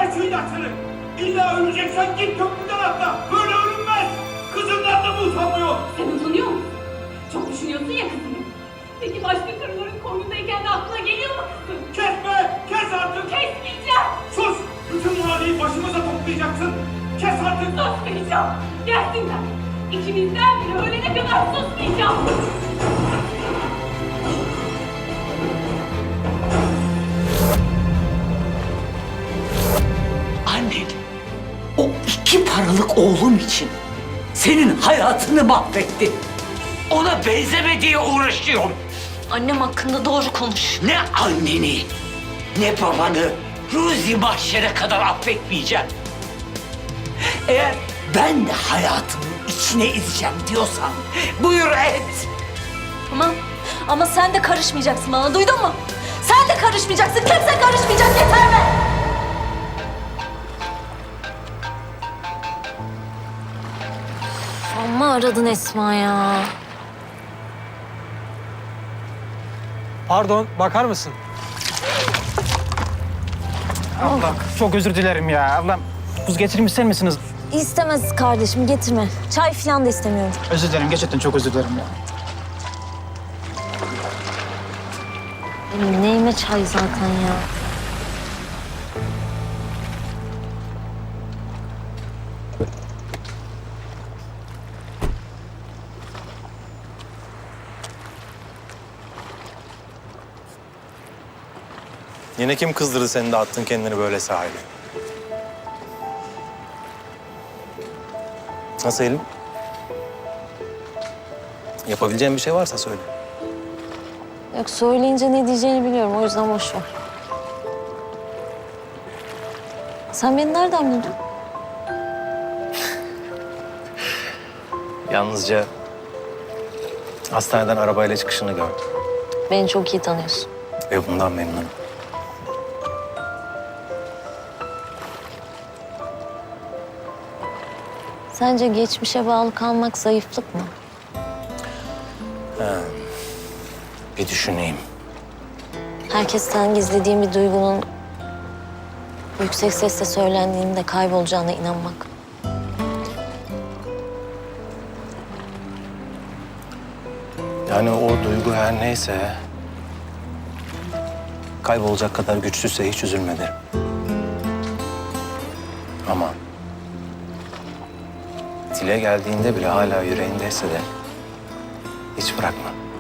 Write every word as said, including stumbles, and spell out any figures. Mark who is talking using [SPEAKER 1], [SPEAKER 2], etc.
[SPEAKER 1] Aç şu ilaçları. İlla öleceksen git köprüden atla. Böyle ölünmez. Kızından da mı utanmıyor?
[SPEAKER 2] Sen utanıyor musun? Çok düşünüyorsun ya kızını. Peki başka karıların koynundayken de aklına geliyor mu kızım?
[SPEAKER 1] Kesme. Kes artık.
[SPEAKER 2] Kesmeyeceğim.
[SPEAKER 1] Sus. Bütün mahalleyi başımıza toplayacaksın. Kes artık.
[SPEAKER 2] Susmayacağım. Gerçekten. İkimizden biri ölene kadar susmayacağım.
[SPEAKER 3] Annen o iki paralık oğlum için senin hayatını mahvetti. Ona benzeme diye uğraşıyorum.
[SPEAKER 4] Annem hakkında doğru konuş.
[SPEAKER 3] Ne anneni ne babanı Ruzi mahşere kadar affetmeyeceğim. Eğer ben de hayatımın içine izleyeceğim diyorsan buyur et.
[SPEAKER 4] Ama, ama sen de karışmayacaksın bana, duydun mu? Sen de karışmayacaksın, kimse karışmayacak, yeter be! Amma aradın Esma ya.
[SPEAKER 5] Pardon, bakar mısın? Ablam, çok özür dilerim ya. Ablam, buz getirmiş sen misiniz?
[SPEAKER 4] İstemez kardeşim, getirme. Çay falan da istemiyorum.
[SPEAKER 5] Özür dilerim, gerçekten çok özür dilerim ya.
[SPEAKER 4] Benim neyime çay zaten ya.
[SPEAKER 6] Yine kim kızdırdı seni de attın kendini böyle sahile? Nasıl Elim? Yapabileceğin bir şey varsa söyle.
[SPEAKER 4] Yok, söyleyince ne diyeceğini biliyorum, o yüzden boş ver. Sen beni nereden buldun?
[SPEAKER 6] Yalnızca hastaneden arabayla çıkışını gördüm.
[SPEAKER 4] Beni çok iyi tanıyorsun.
[SPEAKER 6] Ve bundan memnunum.
[SPEAKER 4] Sence geçmişe bağlı kalmak zayıflık mı?
[SPEAKER 6] Bir düşüneyim.
[SPEAKER 4] Herkesten gizlediğim bir duygunun yüksek sesle söylendiğinde kaybolacağına inanmak.
[SPEAKER 6] Yani o duygu her neyse... kaybolacak kadar güçsüzse hiç üzülme derim. Ama... dile geldiğinde bile hala yüreğindeyse de... hiç bırakma.